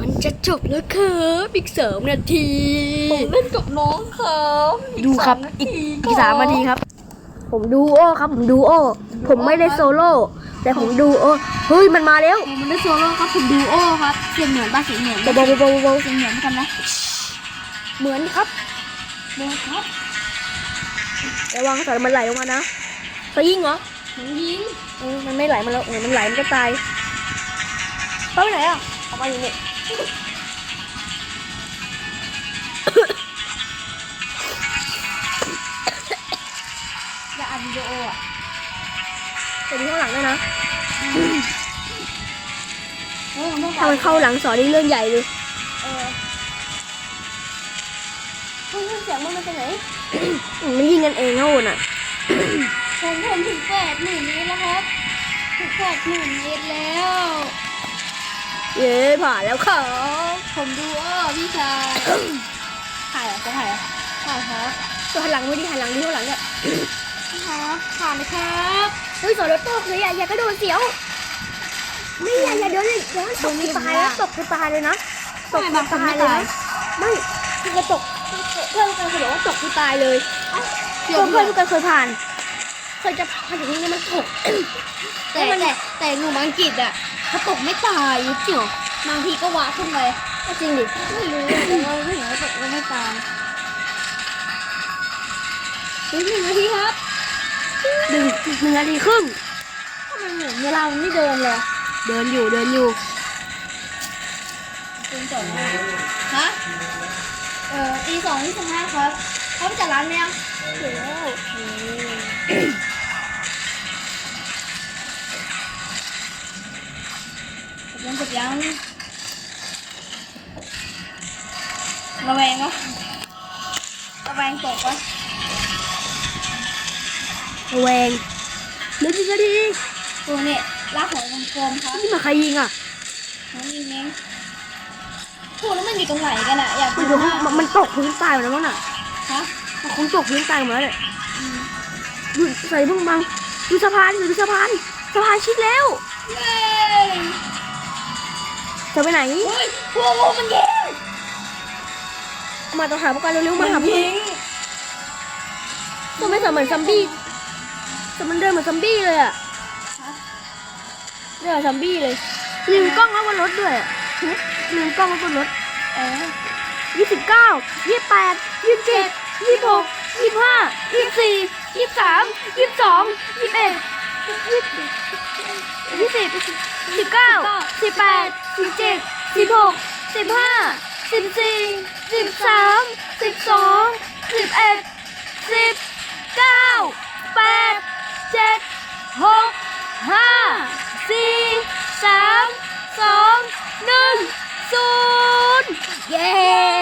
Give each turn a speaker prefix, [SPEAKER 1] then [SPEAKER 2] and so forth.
[SPEAKER 1] มันจะจบแล้วครับอีก3 นาที
[SPEAKER 2] ผมเล่นกับน้องครับ
[SPEAKER 1] ดูครับอีก3 นาทีครับผมดูโอครับผมดูโอผมไม่ได้โซโล่แต่ผมดูโอเฮ้ยมันมาแล้ว
[SPEAKER 2] ผมได้โซโล่ครับผมดูโอครับเสียงเหมือนป่ะเสียงเหมือนเบาเสียงเหมือนกันนะ
[SPEAKER 1] เหมือนครับ
[SPEAKER 2] เบาครับ
[SPEAKER 1] ระวังสารมันไหลลงมานะไปยิงเหรอ
[SPEAKER 2] ผมยิง
[SPEAKER 1] มันไม่ไหลมาแล้วมันไหลมันก็ตายไปไหนอ่ะออกมาอยู่เนี่ย
[SPEAKER 2] อย่าอัดวิดีโออ่ะ
[SPEAKER 1] จะดูข้างหลังด้วยนะ
[SPEAKER 2] ถ้า
[SPEAKER 1] มันเข้าหลังสอนนี่เรื่องใหญ่เลยเสียงมันมาจากไหนมันยิงกันเองนะโอนอ่ะ
[SPEAKER 2] ผมถึง80,000 เมตรแล้วครับถึง80,000 เมตรแล้ว
[SPEAKER 1] เย้ผ่านแล้วครับ
[SPEAKER 2] ผมดูพี่ชายถ่ายเหรอจะถ่ายเหรอถ่ายครับ
[SPEAKER 1] ตัวหันหลังไม่ดีหันหลังดีข้างหลังเนี่ย
[SPEAKER 2] ครับผ่านเลยครับ
[SPEAKER 1] เฮ้ยสอนรถตกเลยอย่ากระโดดเสียวไม่อย่าเดินเลยเดินตกคือตายแล้วตกคือตายเลยนะตกคือตายเลยไม่คือกระตกเพื่อนกันเคยบอกว่าตกคือตายเลยเพื่อนกันเคยผ่านเคยจะผ่านถึงนี้มันตก
[SPEAKER 2] แต่หนูอังกฤษอ่ะเขาตกไม่ตายจริงบางทีก็ว้าขึ้นไป
[SPEAKER 1] จริงดิ
[SPEAKER 2] ไม่รู้แต่ว่าไม่เห็นว่าตกไม่ตาย1 นาทีครับ
[SPEAKER 1] 1 นาทีครึ่ง
[SPEAKER 2] ทำไมเหมือนเวลามันไม่เดินเลย
[SPEAKER 1] เดินอยู่
[SPEAKER 2] ตี2ฮะตี2:25ครับเขาไปจัดร้านไหมอ่ะ
[SPEAKER 1] ถึงแล้ว
[SPEAKER 2] จบยังระแวงวะระแวงตกวะ
[SPEAKER 1] ระแวง1 นาที
[SPEAKER 2] ตัวเนี่ยลากหัวกลมๆครับ
[SPEAKER 1] นี่มาใครยิงอ่ะ
[SPEAKER 2] น้องยิงเองพูดแล้วมันอยู่ตรงไหนกันอ่ะอยาก
[SPEAKER 1] มันตกพื้นตายหมดแล้วมั้งน่ะ
[SPEAKER 2] ฮะ
[SPEAKER 1] มันคงตกพื้นตายหมดแล้วเนี่ยดูใส่พุ่งบังดูสะพานชิดแล้ว
[SPEAKER 2] เย้
[SPEAKER 1] จะไปไหน
[SPEAKER 2] เฮ้ยพวกมันยิง
[SPEAKER 1] มาต้องหาพวกกันเร็วๆมาหาพวกตัวไม่เหมือนซัมบี้แต่มันเดินเหมือนซัมบี้เลยอ่ะเดินซัมบี้เลยลืมกล้องไว้บนรถด้วยลืมกล้องไว้บนรถ29 28 27 26 25 24 23 22 21 20 19 18 17 16 15 14 13 12 11 10 9 8 7 6 5 4 3 2 1 0เย้